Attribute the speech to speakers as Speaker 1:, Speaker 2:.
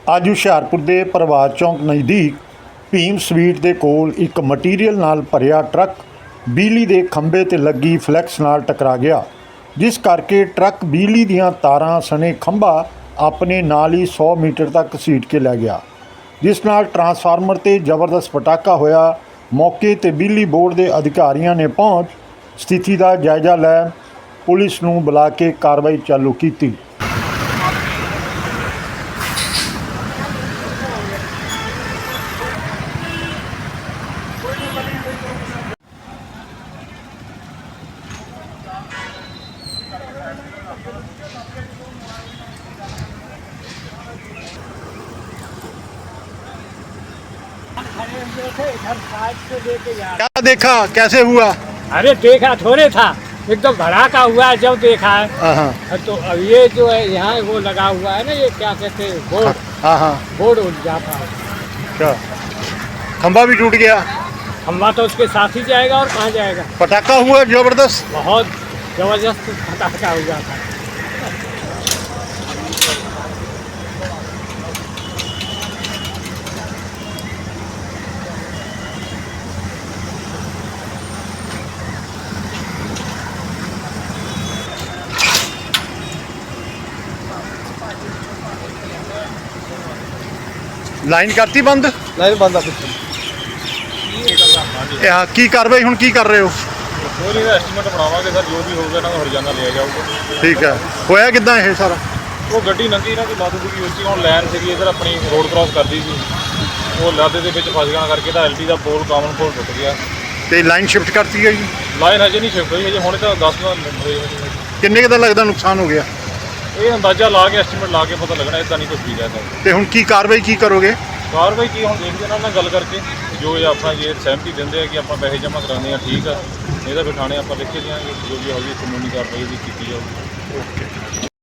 Speaker 1: ਅੱਜ ਹੁਸ਼ਿਆਰਪੁਰ ਦੇ ਪ੍ਰਭਾਤ ਚੌਂਕ ਨਜ਼ਦੀਕ ਭੀਮ ਸਵੀਟ ਦੇ ਕੋਲ ਇੱਕ ਮਟੀਰੀਅਲ ਨਾਲ ਭਰਿਆ ਟਰੱਕ ਬਿਜਲੀ ਦੇ ਖੰਭੇ ਤੇ ਲੱਗੀ ਫਲੈਕਸ ਨਾਲ ਟਕਰਾ ਗਿਆ, ਜਿਸ ਕਰਕੇ ਟਰੱਕ ਬਿਜਲੀ ਦੀਆਂ ਤਾਰਾਂ ਸਣੇ ਖੰਭਾ ਆਪਣੇ ਨਾਲ ਹੀ 100 ਮੀਟਰ ਤੱਕ ਘਸੀਟ ਕੇ ਲੈ ਗਿਆ, ਜਿਸ ਨਾਲ ਟਰਾਂਸਫਾਰਮਰ ਤੇ ਜ਼ਬਰਦਸਤ ਪਟਾਕਾ ਹੋਇਆ। ਮੌਕੇ ਤੇ ਬਿਜਲੀ ਬੋਰਡ ਦੇ ਅਧਿਕਾਰੀਆਂ ਨੇ ਪਹੁੰਚ ਸਥਿਤੀ ਦਾ ਜਾਇਜ਼ਾ ਲੈ ਪੁਲਿਸ ਨੂੰ ਬੁਲਾ ਕੇ ਕਾਰਵਾਈ ਚਾਲੂ ਕੀਤੀ। क्या देखा, कैसे हुआ?
Speaker 2: अरे देखा थोड़े था, एकदम भड़ाका हुआ है जब देखा है। तो अब ये जो है यहाँ वो लगा हुआ है ना, ये क्या कहते हैं बोर्ड, बोर्ड उठ जाता है।
Speaker 1: क्या खंभा भी टूट गया?
Speaker 2: खंभा तो उसके साथ ही जाएगा और कहाँ जाएगा।
Speaker 1: पटाखा हुआ जबरदस्त,
Speaker 2: बहुत जबरदस्त पटाखा हुआ था।
Speaker 1: लाइन करती बंद?
Speaker 3: लाइन बंद आ पिछले
Speaker 1: की कार्रवाई हुण की कर रहे हो?
Speaker 3: थोड़ी का एस्टीमेट बनावांगे सर, जो भी होगा ना हरियाणा लिया जाऊगा।
Speaker 1: ठीक है, होया किदां ये सारा?
Speaker 3: वो गड्डी लंघी ना, कोई लादू की उच्ची हुण लैन सी इधर अपनी रोड क्रॉस करती थी, वो लादे के फस गया करके एल टी का पोल कामन पोल टुट गया।
Speaker 1: ते लाइन शिफ्ट करती गई?
Speaker 3: लाइन हजे नहीं शिफ्ट हुई, हजे हुणे तो 10 मिनट
Speaker 1: किन्ने दा लगदा नुकसान हो गया?
Speaker 3: ये अंदाजा ला के एस्टीमेट ला के पता लगना, इतना नहीं कुछ भी कहता।
Speaker 1: ते हुण की कार्रवाई की करोगे?
Speaker 3: कार्रवाई की हम देखते ना गल करके जो अपना ये सहमति देंगे कि आप पैसे जमा कराने ठीक है, नहीं तो फिर थाने आप लिख के देंगे, जो भी होगी कानूनी कार्रवाई भी की जाएगी।
Speaker 1: ओके।